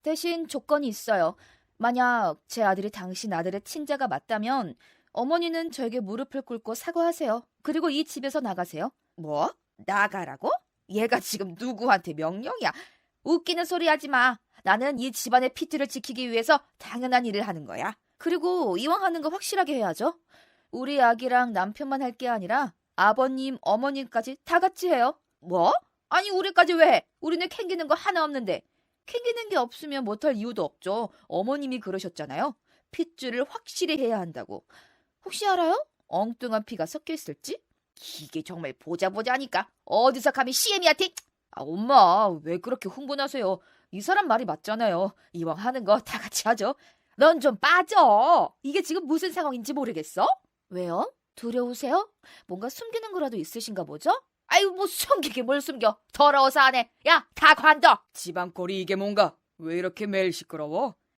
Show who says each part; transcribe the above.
Speaker 1: 대신 조건이 있어요. 만약 제 아들이 당신 아들의 친자가 맞다면 어머니는 저에게 무릎을 꿇고 사과하세요. 그리고 이 집에서 나가세요. 뭐? 나가라고? 얘가 지금 누구한테 명령이야? 웃기는 소리 하지 마. 나는 이 집안의 피트를 지키기 위해서 당연한 일을 하는 거야. 그리고 이왕 하는 거 확실하게 해야죠. 우리 아기랑 남편만 할 게 아니라 아버님, 어머님까지 다 같이 해요. 뭐? 아니 우리까지 왜 해? 우리는 캥기는 거 하나 없는데. 캥기는 게 없으면 못할 이유도 없죠. 어머님이 그러셨잖아요. 핏줄을 확실히 해야 한다고. 혹시 알아요? 엉뚱한 피가 섞여 있을지? 이게 정말 보자 하니까 어디서 감히 CM이한테. 아, 엄마 왜 그렇게 흥분하세요? 이 사람 말이 맞잖아요. 이왕 하는 거 다 같이 하죠. 넌 좀 빠져. 이게 지금 무슨 상황인지 모르겠어? 왜요? 두려우세요? 뭔가 숨기는 거라도 있으신가 보죠? 아유 뭐 숨기게 뭘 숨겨. 더러워서 안 해. 야 다 관둬.
Speaker 2: 집안꼴이 이게 뭔가? 왜 이렇게 매일 시끄러워?